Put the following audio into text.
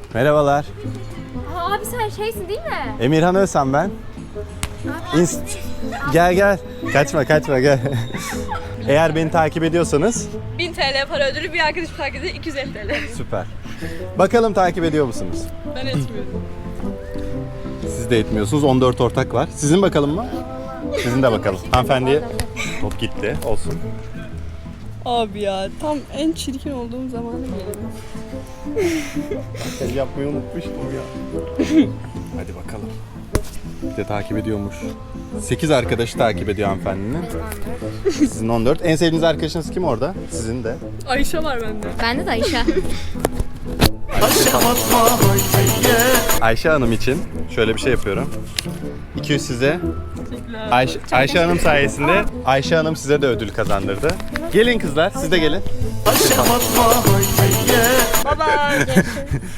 Merhabalar. Abi sen şeysin değil mi? Emirhan Özhan ben. Gel. Kaçma gel. Eğer beni takip ediyorsanız 1000 TL para ödülü, bir arkadaşım takip ediyor 250 TL. süper. Bakalım takip ediyor musunuz? Ben etmiyorum. Siz de etmiyorsunuz. 14 ortak var. Sizin bakalım mı? Sizin de bakalım. Hanımefendiye top gitti. Olsun. Abi ya tam en çirkin olduğum zamanı geliyor. El yapmayı unutmuştum ya. Hadi bakalım. Bir de takip ediyormuş. 8 arkadaşı takip ediyor hanımefendinin. Sizin 14. En sevdiğiniz arkadaşınız kim orada? Sizin de. Ayşe var bende. Bende de Ayşe. Ayşe Hanım için şöyle bir şey yapıyorum. 200 size. Ayşe Hanım sayesinde Ayşe Hanım size de ödül kazandırdı. Gelin kızlar, siz de gelin. Baba.